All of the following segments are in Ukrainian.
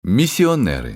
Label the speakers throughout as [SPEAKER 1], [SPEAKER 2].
[SPEAKER 1] Місіонери.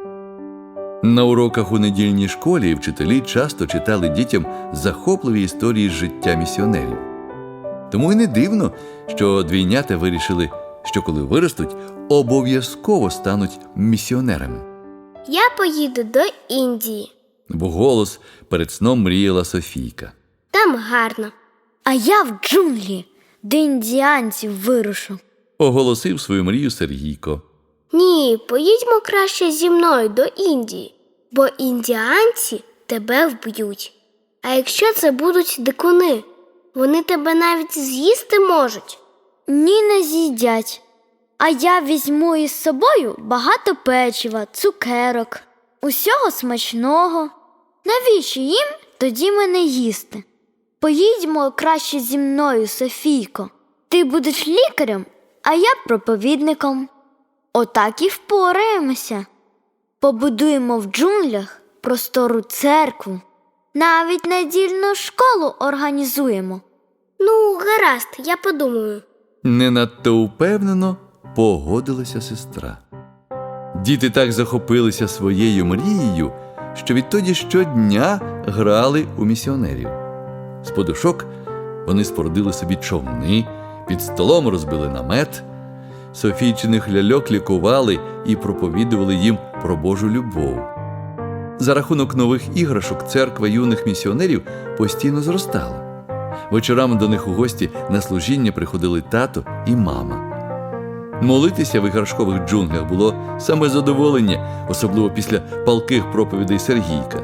[SPEAKER 1] На уроках у недільній школі вчителі часто читали дітям захопливі історії з життя місіонерів. Тому й не дивно, що двійнята вирішили, що коли виростуть, обов'язково стануть місіонерами.
[SPEAKER 2] Я поїду до Індії.
[SPEAKER 1] Вголос перед сном мріяла Софійка.
[SPEAKER 2] Там гарно.
[SPEAKER 3] А я в джунглі, до індіанців вирушу.
[SPEAKER 1] Оголосив свою мрію Сергійко.
[SPEAKER 2] Ні, поїдьмо краще зі мною до Індії, бо індіанці тебе вб'ють. А якщо це будуть дикуни, вони тебе навіть з'їсти можуть.
[SPEAKER 3] Ні, не з'їдять. А я візьму із собою багато печива, цукерок, усього смачного. Навіщо їм тоді мене їсти? Поїдьмо краще зі мною, Софійко. Ти будеш лікарем, а я проповідником. Отак і впораємося. Побудуємо в джунглях простору церкву. Навіть недільну школу організуємо.
[SPEAKER 2] Ну, гаразд, я подумаю.
[SPEAKER 1] Не надто упевнено погодилася сестра. Діти так захопилися своєю мрією, що відтоді щодня грали у місіонерів. З подушок вони спорудили собі човни, під столом розбили намет. Софійчиних ляльок лікували і проповідували їм про Божу любов. За рахунок нових іграшок церква юних місіонерів постійно зростала. Вечорами до них у гості на служіння приходили тато і мама. Молитися в іграшкових джунглях було саме задоволення, особливо після палких проповідей Сергійка.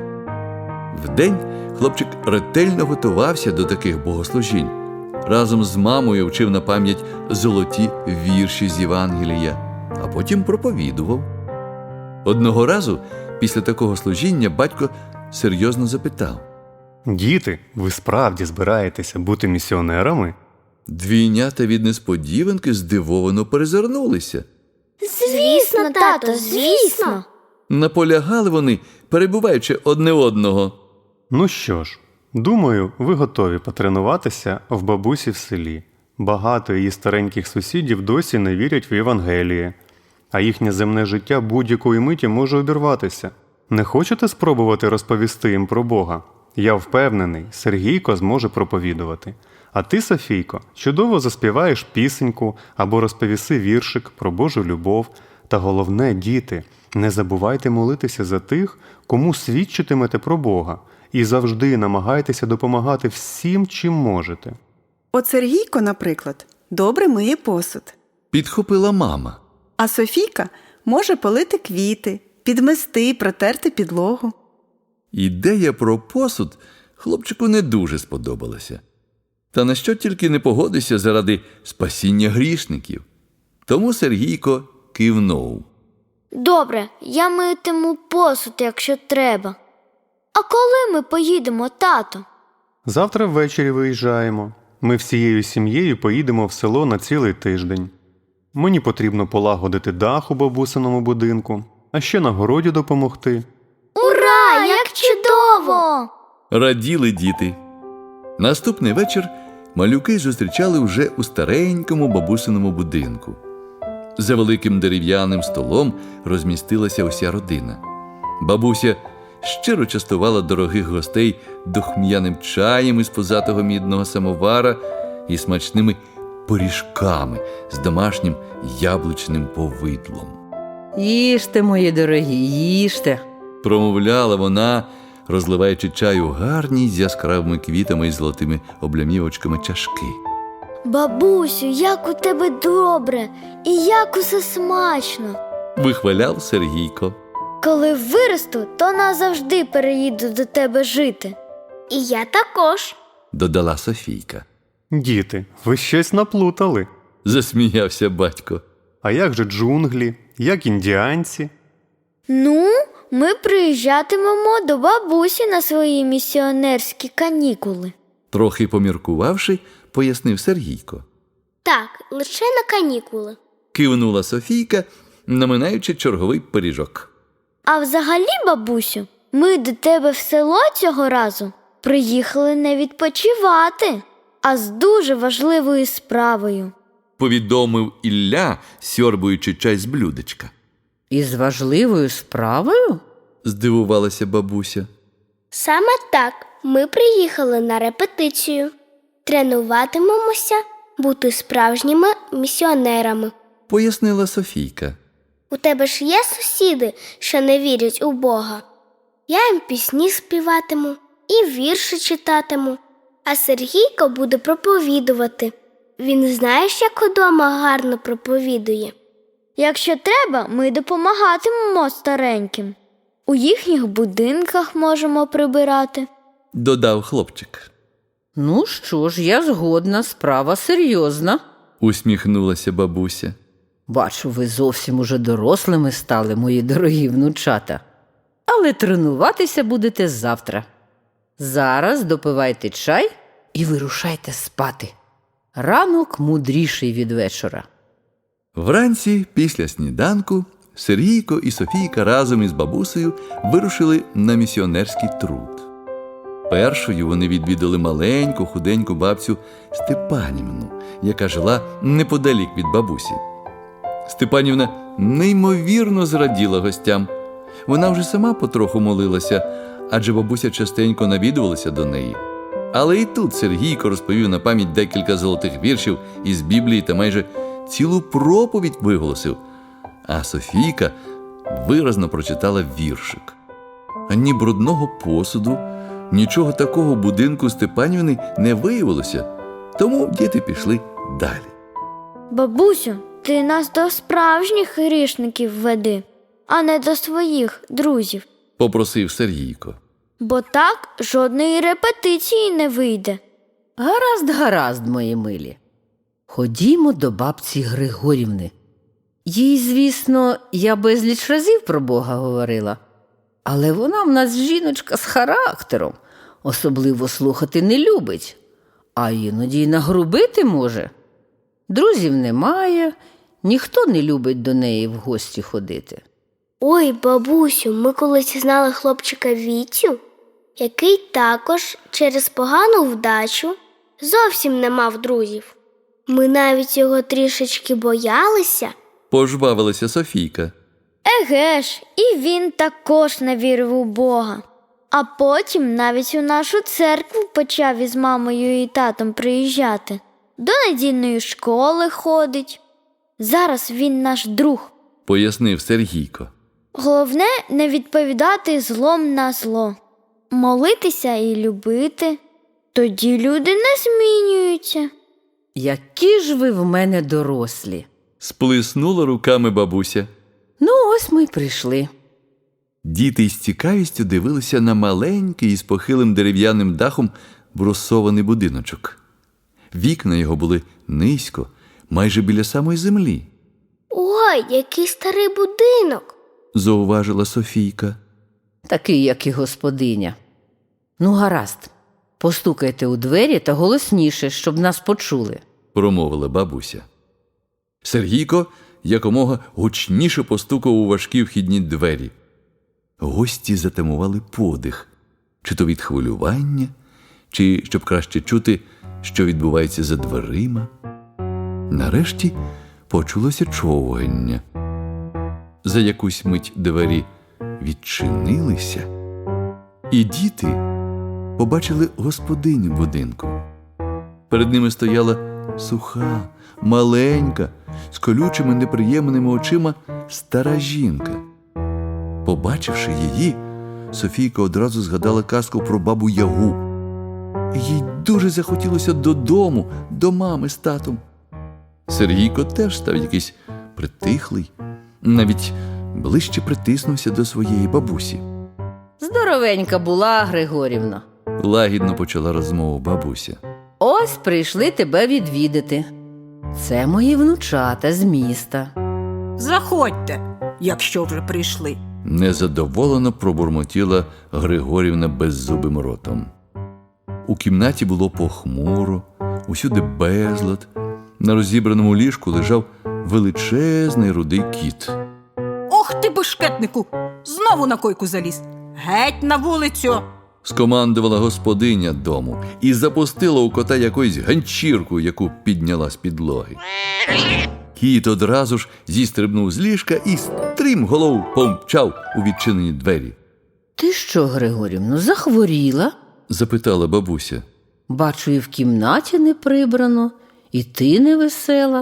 [SPEAKER 1] Вдень хлопчик ретельно готувався до таких богослужінь. Разом з мамою вчив на пам'ять золоті вірші з Євангелія, а потім проповідував. Одного разу після такого служіння батько серйозно запитав.
[SPEAKER 4] «Діти, ви справді збираєтеся бути місіонерами?»
[SPEAKER 1] Двійнята від несподіванки здивовано перезирнулися.
[SPEAKER 3] Звісно, тато, звісно.
[SPEAKER 1] Наполягали вони, перебуваючи одне одного.
[SPEAKER 4] Ну що ж, думаю, ви готові потренуватися в бабусі в селі. Багато її стареньких сусідів досі не вірять в Євангеліє, а їхнє земне життя будь-якої миті може обірватися. Не хочете спробувати розповісти їм про Бога? Я впевнений, Сергійко зможе проповідувати. А ти, Софійко, чудово заспіваєш пісеньку або розповіси віршик про Божу любов. Та головне, діти, не забувайте молитися за тих, кому свідчитимете про Бога. І завжди намагайтеся допомагати всім, чим можете.
[SPEAKER 5] От Сергійко, наприклад, добре миє посуд.
[SPEAKER 1] Підхопила мама.
[SPEAKER 5] А Софійка може полити квіти, підмести, протерти підлогу.
[SPEAKER 1] Ідея про посуд хлопчику не дуже сподобалася. Та на що тільки не погодився заради спасіння грішників. Тому Сергійко кивнув.
[SPEAKER 3] Добре, я митиму посуд, якщо треба. А коли ми поїдемо, тато?
[SPEAKER 4] Завтра ввечері виїжджаємо. Ми всією сім'єю поїдемо в село на цілий тиждень. Мені потрібно полагодити дах у бабусиному будинку, а ще на городі допомогти.
[SPEAKER 3] Ура, як чудово!
[SPEAKER 1] Раділи діти. Наступний вечір малюки зустрічали вже у старенькому бабусиному будинку. За великим дерев'яним столом розмістилася уся родина. Бабуся щиро частувала дорогих гостей духм'яним чаєм із позатого мідного самовара і смачними пиріжками з домашнім яблучним повидлом.
[SPEAKER 6] «Їжте, мої дорогі, їжте!»
[SPEAKER 1] Промовляла вона, розливаючи чай у гарні з яскравими квітами і золотими облямівочками чашки.
[SPEAKER 3] Бабусю, як у тебе добре і як усе смачно.
[SPEAKER 1] Вихваляв Сергійко.
[SPEAKER 3] Коли виросту, то назавжди переїду до тебе жити.
[SPEAKER 2] І я також.
[SPEAKER 1] Додала Софійка.
[SPEAKER 4] Діти, ви щось наплутали.
[SPEAKER 1] Засміявся батько.
[SPEAKER 4] А як же джунглі? Як індіанці?
[SPEAKER 3] Ну, ми приїжджатимемо до бабусі на свої місіонерські канікули.
[SPEAKER 1] Трохи поміркувавши, пояснив Сергійко.
[SPEAKER 2] Так, лише на канікули.
[SPEAKER 1] Кивнула Софійка, наминаючи черговий пиріжок.
[SPEAKER 3] А взагалі, бабусю, ми до тебе в село цього разу приїхали не відпочивати, а з дуже важливою справою.
[SPEAKER 1] Повідомив Ілля, сьорбуючи чай з блюдечка.
[SPEAKER 6] Із важливою справою?
[SPEAKER 1] Здивувалася бабуся.
[SPEAKER 2] Саме так ми приїхали на репетицію. Тренуватимемося бути справжніми місіонерами.
[SPEAKER 1] Пояснила Софійка.
[SPEAKER 2] У тебе ж є сусіди, що не вірять у Бога? Я їм пісні співатиму і вірші читатиму, а Сергійко буде проповідувати. Він знаєш, як удома гарно проповідує.
[SPEAKER 3] Якщо треба, ми допомагатимемо стареньким. У їхніх будинках можемо прибирати.
[SPEAKER 1] Додав хлопчик.
[SPEAKER 6] Ну що ж, я згодна, справа серйозна.
[SPEAKER 1] Усміхнулася бабуся.
[SPEAKER 6] Бачу, ви зовсім уже дорослими стали, мої дорогі внучата. Але тренуватися будете завтра. Зараз допивайте чай і вирушайте спати. Ранок мудріший від вечора.
[SPEAKER 1] Вранці, після сніданку, Сергійко і Софійка разом із бабусею вирушили на місіонерський труд. Першою вони відвідали маленьку, худеньку бабцю Степанівну, яка жила неподалік від бабусі. Степанівна неймовірно зраділа гостям. Вона вже сама потроху молилася, адже бабуся частенько навідувалася до неї. Але і тут Сергійко розповів на пам'ять декілька золотих віршів із Біблії та майже цілу проповідь виголосив, а Софійка виразно прочитала віршик. Ані брудного посуду, нічого такого в будинку Степанівни не виявилося, тому діти пішли далі.
[SPEAKER 3] Бабусю, ти нас до справжніх грішників веди, а не до своїх друзів.
[SPEAKER 1] Попросив Сергійко.
[SPEAKER 3] Бо так жодної репетиції не вийде.
[SPEAKER 6] Гаразд, мої милі. Ходімо до бабці Григорівни. Їй, звісно, я безліч разів про Бога говорила. Але вона в нас жіночка з характером. Особливо слухати не любить. А іноді й нагрубити може. Друзів немає, ніхто не любить до неї в гості ходити.
[SPEAKER 2] Ой, бабусю, ми колись знали хлопчика Вітю, який також через погану вдачу зовсім не мав друзів. Ми навіть його трішечки боялися.
[SPEAKER 1] Пожвавилася Софійка.
[SPEAKER 3] Еге ж, і він також не вірив у Бога. А потім навіть у нашу церкву почав із мамою і татом приїжджати. До недільної школи ходить. Зараз він наш друг.
[SPEAKER 1] Пояснив Сергійко.
[SPEAKER 3] Головне не відповідати злом на зло. Молитися і любити. Тоді люди не змінюються.
[SPEAKER 6] Які ж ви в мене дорослі.
[SPEAKER 1] Сплеснула руками бабуся.
[SPEAKER 6] Ну, ось ми й прийшли.
[SPEAKER 1] Діти із цікавістю дивилися на маленький із похилим дерев'яним дахом брусований будиночок. Вікна його були низько, майже біля самої землі.
[SPEAKER 2] Ой, який старий будинок!
[SPEAKER 1] Зауважила Софійка.
[SPEAKER 6] Такий, як і господиня. Ну, гаразд, постукайте у двері та голосніше, щоб нас почули.
[SPEAKER 1] Промовила бабуся. Сергійко якомога гучніше постукав у важкі вхідні двері. Гості затамували подих, чи то від хвилювання, чи щоб краще чути, що відбувається за дверима. Нарешті почулося човгання. За якусь мить двері відчинилися, і діти побачили господиню будинку. Перед ними стояла суха, маленька, з колючими неприємними очима стара жінка. Побачивши її, Софійка одразу згадала казку про бабу Ягу. Їй дуже захотілося додому, до мами з татом. Сергійко теж став якийсь притихлий, навіть ближче притиснувся до своєї бабусі.
[SPEAKER 6] Здоровенька була, Григорівна.
[SPEAKER 1] Лагідно почала розмову бабуся.
[SPEAKER 6] Ось прийшли тебе відвідати. Це мої внучата з міста.
[SPEAKER 7] Заходьте, якщо вже прийшли.
[SPEAKER 1] Незадоволено пробурмотіла Григорівна беззубим ротом. У кімнаті було похмуро, усюди безлад. На розібраному ліжку лежав величезний рудий кіт.
[SPEAKER 7] Ох ти, бешкетнику! Знову на койку заліз. Геть на вулицю!
[SPEAKER 1] Скомандувала господиня дому і запустила у кота якусь ганчірку, яку підняла з підлоги. Кіт одразу ж зістрибнув з ліжка і стрімголов помчав у відчинені двері.
[SPEAKER 6] Ти що, Григорівно, захворіла?
[SPEAKER 1] Запитала бабуся.
[SPEAKER 6] Бачу, і в кімнаті не прибрано, і ти не весела.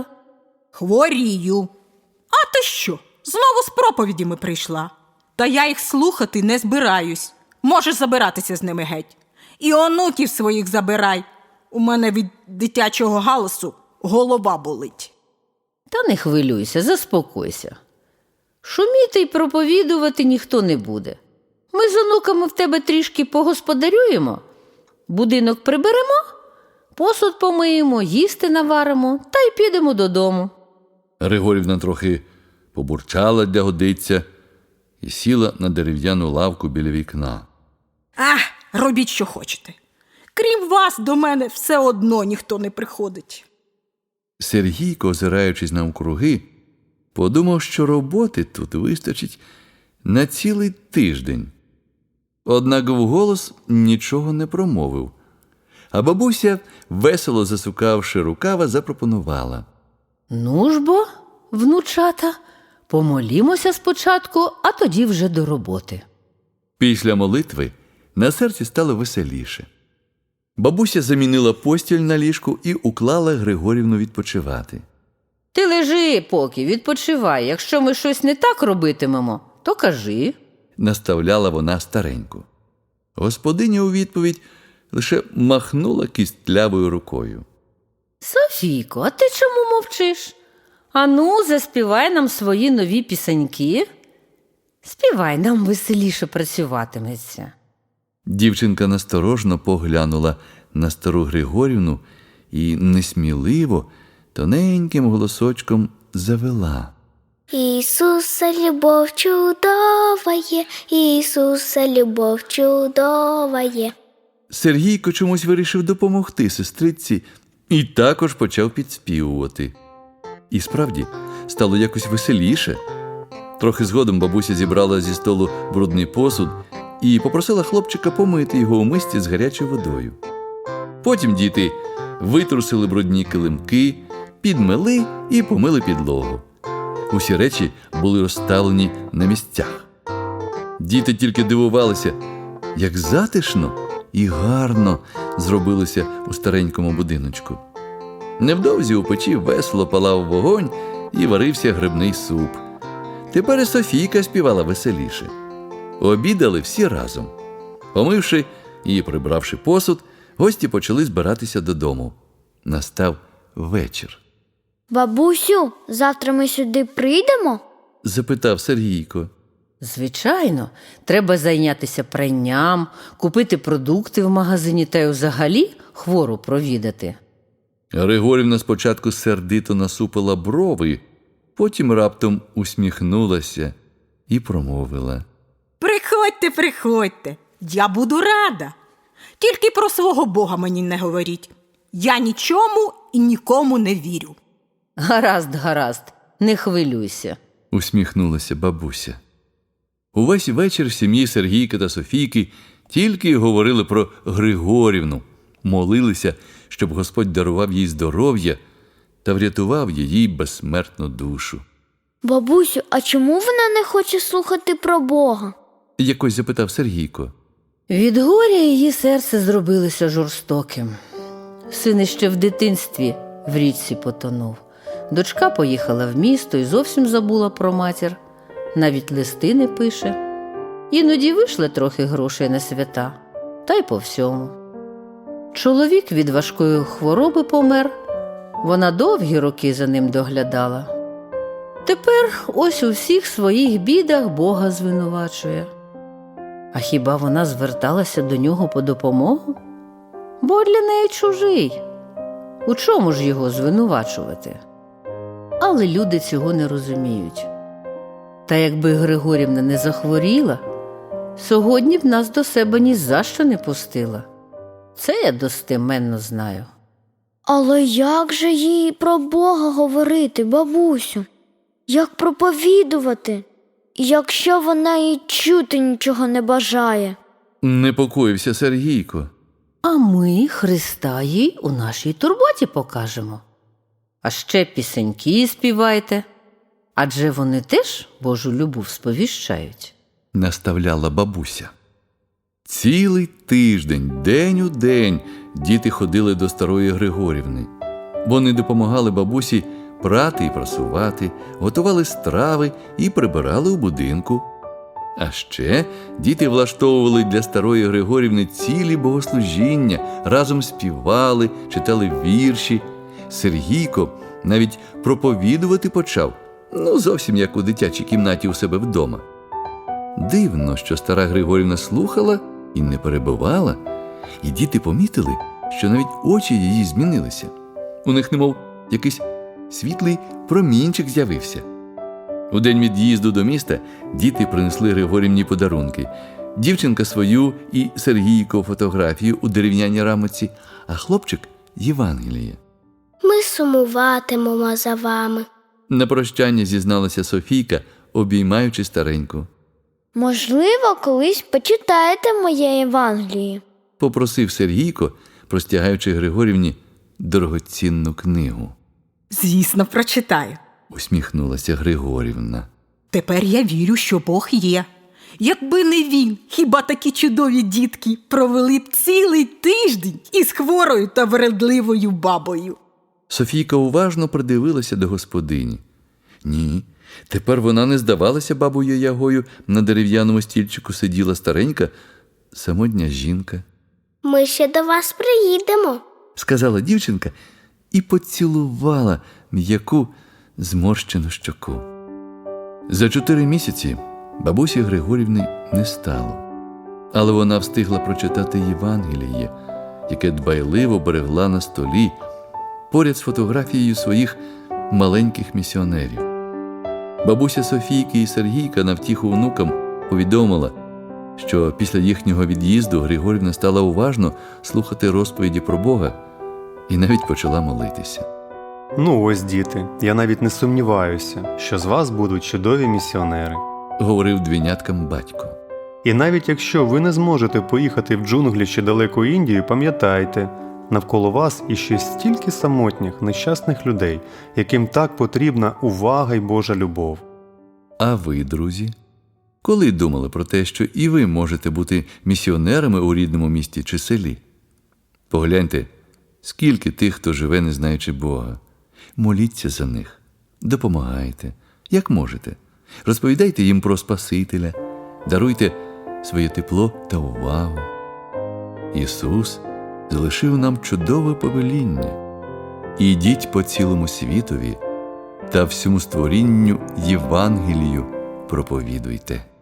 [SPEAKER 7] Хворію. А ти що? Знову з проповідями прийшла. Та я їх слухати не збираюсь. Можеш забиратися з ними геть. І онуків своїх забирай. У мене від дитячого галасу голова болить.
[SPEAKER 6] Та не хвилюйся, заспокойся. Шуміти й проповідувати ніхто не буде. Ми з онуками в тебе трішки погосподарюємо, будинок приберемо, посуд помиємо, їсти наваримо та й підемо додому.
[SPEAKER 1] Григорівна трохи побурчала для годиться і сіла на дерев'яну лавку біля вікна.
[SPEAKER 7] Ах, робіть, що хочете. Крім вас, до мене все одно ніхто не приходить.
[SPEAKER 1] Сергійко, озираючись навкруги, подумав, що роботи тут вистачить на цілий тиждень. Однак вголос нічого не промовив, а бабуся, весело засукавши рукава, запропонувала.
[SPEAKER 6] Ну ж бо, внучата, помолімося спочатку, а тоді вже до роботи.
[SPEAKER 1] Після молитви на серці стало веселіше. Бабуся замінила постіль на ліжку і уклала Григорівну відпочивати.
[SPEAKER 6] Ти лежи поки, відпочивай. Якщо ми щось не так робитимемо, то кажи.
[SPEAKER 1] Наставляла вона стареньку. Господиня у відповідь лише махнула кістлявою рукою.
[SPEAKER 6] Софійко, а ти чому мовчиш? Ану, заспівай нам свої нові пісеньки. Співай, нам веселіше працюватиметься.
[SPEAKER 1] Дівчинка насторожно поглянула на стару Григорівну і несміливо, тоненьким голосочком завела.
[SPEAKER 2] Ісуса, любов чудова є, Ісуса, любов чудова є.
[SPEAKER 1] Сергійко чомусь вирішив допомогти сестриці і також почав підспівувати. І справді, стало якось веселіше. Трохи згодом бабуся зібрала зі столу брудний посуд і попросила хлопчика помити його у мисці з гарячою водою. Потім діти витрусили брудні килимки, підмели і помили підлогу. Усі речі були розставлені на місцях. Діти тільки дивувалися, як затишно і гарно зробилося у старенькому будиночку. Невдовзі у печі весело палав вогонь і варився грибний суп. Тепер і Софійка співала веселіше. Обідали всі разом. Помивши і прибравши посуд, гості почали збиратися додому. Настав вечір.
[SPEAKER 3] Бабусю, завтра ми сюди прийдемо?
[SPEAKER 1] Запитав Сергійко.
[SPEAKER 6] Звичайно, треба зайнятися пранням, купити продукти в магазині та й взагалі хвору провідати.
[SPEAKER 1] Григорівна спочатку сердито насупила брови, потім раптом усміхнулася і промовила.
[SPEAKER 7] Приходьте, приходьте, я буду рада. Тільки про свого Бога мені не говоріть. Я нічому і нікому не вірю.
[SPEAKER 6] Гаразд, гаразд, не хвилюйся.
[SPEAKER 1] Усміхнулася бабуся. Увесь вечір сім'ї Сергійка та Софійки тільки й говорили про Григорівну, молилися, щоб Господь дарував їй здоров'я та врятував її безсмертну душу.
[SPEAKER 3] Бабусю, а чому вона не хоче слухати про Бога?
[SPEAKER 1] Якось запитав Сергійко.
[SPEAKER 6] Від горя її серце зробилося жорстоким. Син іще в дитинстві в річці потонув. Дочка поїхала в місто і зовсім забула про матір. Навіть листи не пише. Іноді вийшли трохи грошей на свята, та й по всьому. Чоловік від важкої хвороби помер. Вона довгі роки за ним доглядала. Тепер ось у всіх своїх бідах Бога звинувачує. А хіба вона зверталася до нього по допомогу? Бо для неї чужий. У чому ж його звинувачувати? Але люди цього не розуміють. Та якби Григорівна не захворіла, сьогодні б нас до себе ні за що не пустила. Це я достеменно знаю.
[SPEAKER 3] Але як же їй про Бога говорити, бабусю? Як проповідувати, якщо вона і чути нічого не бажає?
[SPEAKER 1] Непокоївся Сергійко.
[SPEAKER 6] А ми Христа їй у нашій турботі покажемо. а ще пісеньки співайте. Адже вони теж Божу любов сповіщають.
[SPEAKER 1] Наставляла бабуся. Цілий тиждень, день у день, діти ходили до старої Григорівни. Вони допомагали бабусі прати і прасувати, готували страви і прибирали у будинку. А ще діти влаштовували для старої Григорівни цілі богослужіння, разом співали, читали вірші. Сергійко навіть проповідувати почав, зовсім як у дитячій кімнаті у себе вдома. Дивно, що стара Григорівна слухала і не перебивала, і діти помітили, що навіть очі її змінилися. У них немов якийсь світлий промінчик з'явився. У день від'їзду до міста діти принесли Григорівні подарунки. Дівчинка свою і Сергійко фотографію у дерев'яній рамоці, а хлопчик – Євангеліє.
[SPEAKER 2] Ми сумуватимемо за вами.
[SPEAKER 1] На прощання зізналася Софійка, обіймаючи стареньку.
[SPEAKER 3] Можливо, колись почитаєте моє Євангеліє.
[SPEAKER 1] Попросив Сергійко, простягаючи Григорівні дорогоцінну книгу.
[SPEAKER 7] Звісно, прочитаю.
[SPEAKER 1] Усміхнулася Григорівна.
[SPEAKER 7] Тепер я вірю, що Бог є. Якби не він, хіба такі чудові дітки провели б цілий тиждень із хворою та вредливою бабою?
[SPEAKER 1] Софійка уважно придивилася до господині. Ні, тепер вона не здавалася бабою Ягою, на дерев'яному стільчику сиділа старенька, самотня жінка.
[SPEAKER 2] Ми ще до вас приїдемо.
[SPEAKER 1] Сказала дівчинка і поцілувала м'яку зморщену щоку. За 4 місяці бабусі Григорівни не стало, але вона встигла прочитати Євангеліє, яке дбайливо берегла на столі поряд з фотографією своїх маленьких місіонерів. Бабуся Софійки і Сергійка на втіху онукам повідомила, що після їхнього від'їзду Григорівна стала уважно слухати розповіді про Бога і навіть почала молитися.
[SPEAKER 4] Ну ось, діти, я навіть не сумніваюся, що з вас будуть чудові місіонери.
[SPEAKER 1] Говорив двійняткам батько.
[SPEAKER 4] І навіть якщо ви не зможете поїхати в джунглі чи далеку Індію, пам'ятайте, навколо вас іще стільки самотніх, нещасних людей, яким так потрібна увага й Божа любов.
[SPEAKER 1] А ви, друзі, коли думали про те, що і ви можете бути місіонерами у рідному місті чи селі? Погляньте, скільки тих, хто живе, не знаючи Бога. Моліться за них, допомагайте, як можете. Розповідайте їм про Спасителя, даруйте своє тепло та увагу. Ісус залишив нам чудове повеління. Ідіть по цілому світові та всьому створінню Євангелію проповідуйте.